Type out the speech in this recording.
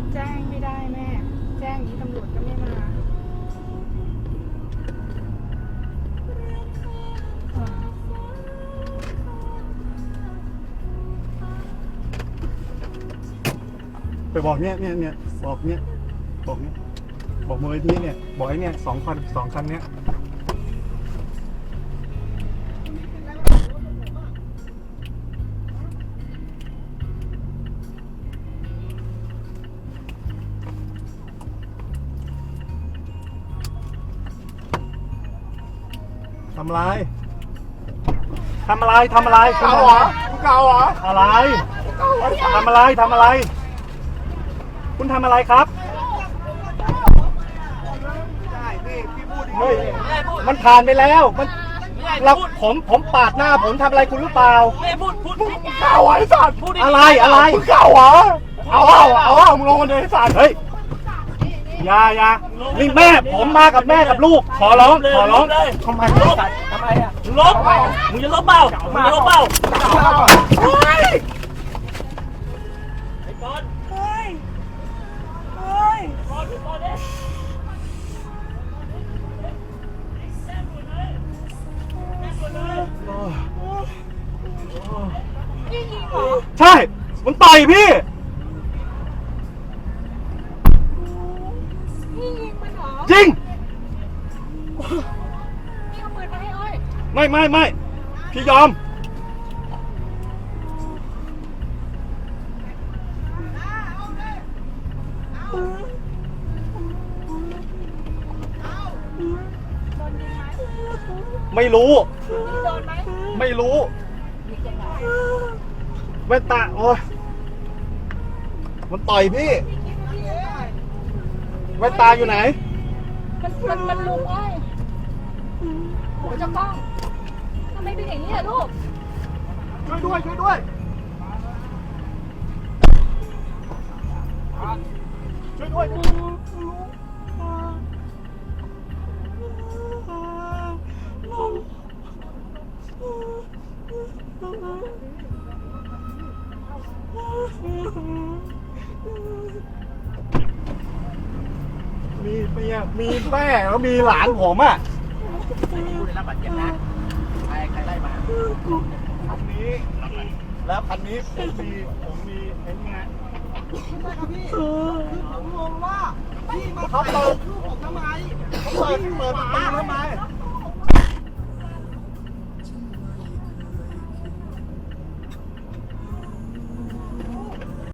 แจ้งไม่ได้แม่แจ้งนี้ตำรวจก็ไม่มาไปบอกบอกมูลนิธิเนี่ยบอกไอ้เนี่ย2 คันเนี้ยทำอะไรคุณเก่าเหรออะไรทำอะไรคุณทำอะไรครับเฮ้ยมันผ่านไปแล้วผมปาดหน้าผมทำอะไรคุณหรือเปล่าไม่พูดเก่าไอ้สัตว์อะไรมึงเก่าเหรอเอามึงลงมาเลยไอ้สัตว์เฮ้ยอย่านี่แม่ผมมากับแม่กับลูกขอร้องทำไมอ่ะลบมึงจะลบเปล่าเฮ้ยไอ้บอลใช่มันต่อยพี่ยิงมันเหรอจริงนี่เอาปืนมาให้อ้อยไม่พี่ยอมไม่รู้ไม่รู้แว่นตาโอ้ยมันต่อยพี่แว่นตาอยู่ไหนมันลุงอ้อยโหเจ้ากล้องทำไมเป็นอย่างนี้อะลูกช่วยด้วยมีแม่แล้วมีหลานผมอ่ะผู้ได้รับบาดเจ็บนะใครไล่มาคันนี้แล้วคันนี้ผมมีไอ้นี่ไงผมงงว่าพี่มาเขาเปิดลูกผมทำไมเปิดประตูทำไม